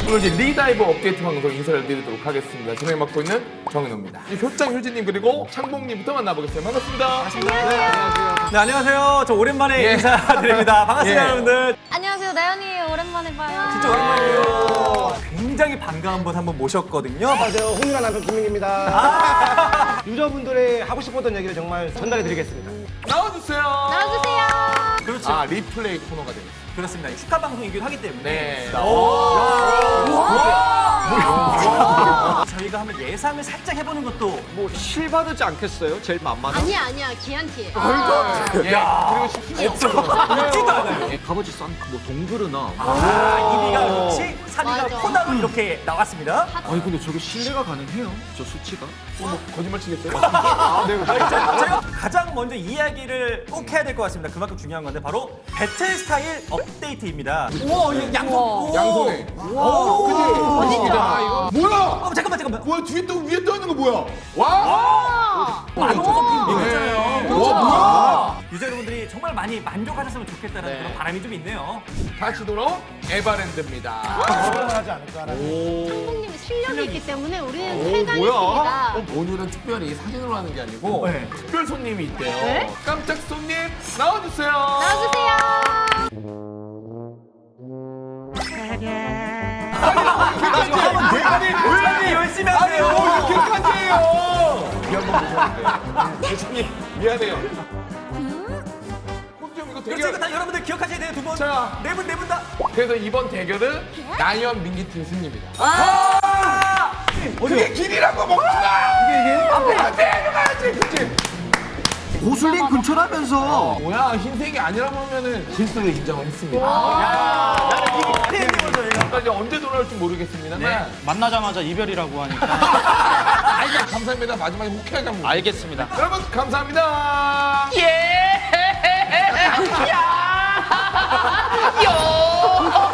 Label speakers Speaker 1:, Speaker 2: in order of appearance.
Speaker 1: 오늘 이제 리다이버 업데이트 방송 인사를 드리도록 하겠습니다. 진행 맡고 있는 정인호입니다. 효장 효진님 그리고 창봉님부터 만나보겠습니다. 반갑습니다.
Speaker 2: 네, 안녕하세요. 저 오랜만에
Speaker 1: 예.
Speaker 2: 인사드립니다. 반갑습니다,
Speaker 1: 예.
Speaker 2: 여러분들.
Speaker 3: 안녕하세요, 나연이에요. 오랜만에 봐요.
Speaker 2: 진짜 오랜만이에요. 굉장히 반가운 분 한 분 모셨거든요.
Speaker 4: 안녕하세요. 홍윤아 남편 김민기입니다. 유저분들의 하고 싶었던 얘기를 정말 전달해드리겠습니다.
Speaker 1: 나와주세요.
Speaker 3: 나와주세요.
Speaker 2: 그렇죠.
Speaker 1: 아, 리플레이 코너가 되겠습니다.
Speaker 2: 그렇습니다. 축하 방송이기도 하기 때문에.
Speaker 1: 네.
Speaker 2: 저희가 한번 예상을 살짝 해보는 것도
Speaker 5: 뭐 실 받지 않겠어요? 제일 만만한?
Speaker 3: 아니야, 기한티.
Speaker 1: 예. 그리고 쉽지 없어.
Speaker 2: 웃지도 않아요.
Speaker 5: 값어치 싼 뭐 동그르나.
Speaker 2: 이비가 그렇지, 3위가
Speaker 3: 맞아.
Speaker 2: 코나로 이렇게 나왔습니다.
Speaker 5: 아니 근데 저게 신뢰가 가능해요? 저 수치가?
Speaker 1: 거짓말 치겠어요?
Speaker 2: 제가 가장 먼저 이야기를 꼭 해야 될 것 같습니다. 그만큼 중요한 건데 바로 배틀 스타일 업데이트입니다. 우와, 이거 양손.
Speaker 1: 양손에.
Speaker 2: 오,
Speaker 1: 그지? 멋있다. 이거. 뭐야?
Speaker 2: 잠깐만.
Speaker 1: 뭐야? 뒤에 떠 위에 떠 있는 거 뭐야? 와!
Speaker 2: 있잖아요.
Speaker 1: 와, 뭐야?
Speaker 2: 유저 여러분들이 정말 많이 만족하셨으면 좋겠다는 그런 바람이 좀 있네요.
Speaker 1: 다시 돌아온 에바랜드입니다.
Speaker 4: 하지 않을까라는.
Speaker 3: 창봉님이 실력이 있기 때문에 우리는
Speaker 5: 뭐야?
Speaker 3: 최강입니다.
Speaker 1: 오늘은 특별히 사진으로 하는 게 아니고
Speaker 2: 네.
Speaker 1: 특별 손님이 있대요.
Speaker 3: 네?
Speaker 1: 깜짝 손님 나와주세요.
Speaker 3: 나와주세요.
Speaker 2: 왜 열심히 하세요?
Speaker 1: 이렇게까지 해요. 미안한 모셨는데. 대신이 미안해요. 호수정 이거
Speaker 2: 그렇지,
Speaker 1: 되게.
Speaker 2: 이거 다 여러분들 기억하셔야 돼요. 두 분.
Speaker 1: 자.
Speaker 2: 네 분 다.
Speaker 1: 그래서 이번 대결은 나연 민기팀 승리입니다. 그게 길이라고 먹지마. 이게 앞에 해줘야지, 그치?
Speaker 5: 고슬링 근처라면서.
Speaker 1: 뭐야 흰색이 아니라고 하면은 실수를 인정을 했습니다.
Speaker 2: 나는 이게 팬이고 저희가.
Speaker 1: 그러니까 이제 언제 돌아올지 모르겠습니다만
Speaker 6: 만나자마자 이별이라고 하니까
Speaker 1: 아이고 감사합니다. 마지막에 호쾌하게 한번
Speaker 6: 알겠습니다.
Speaker 1: 여러분 감사합니다.
Speaker 3: 요!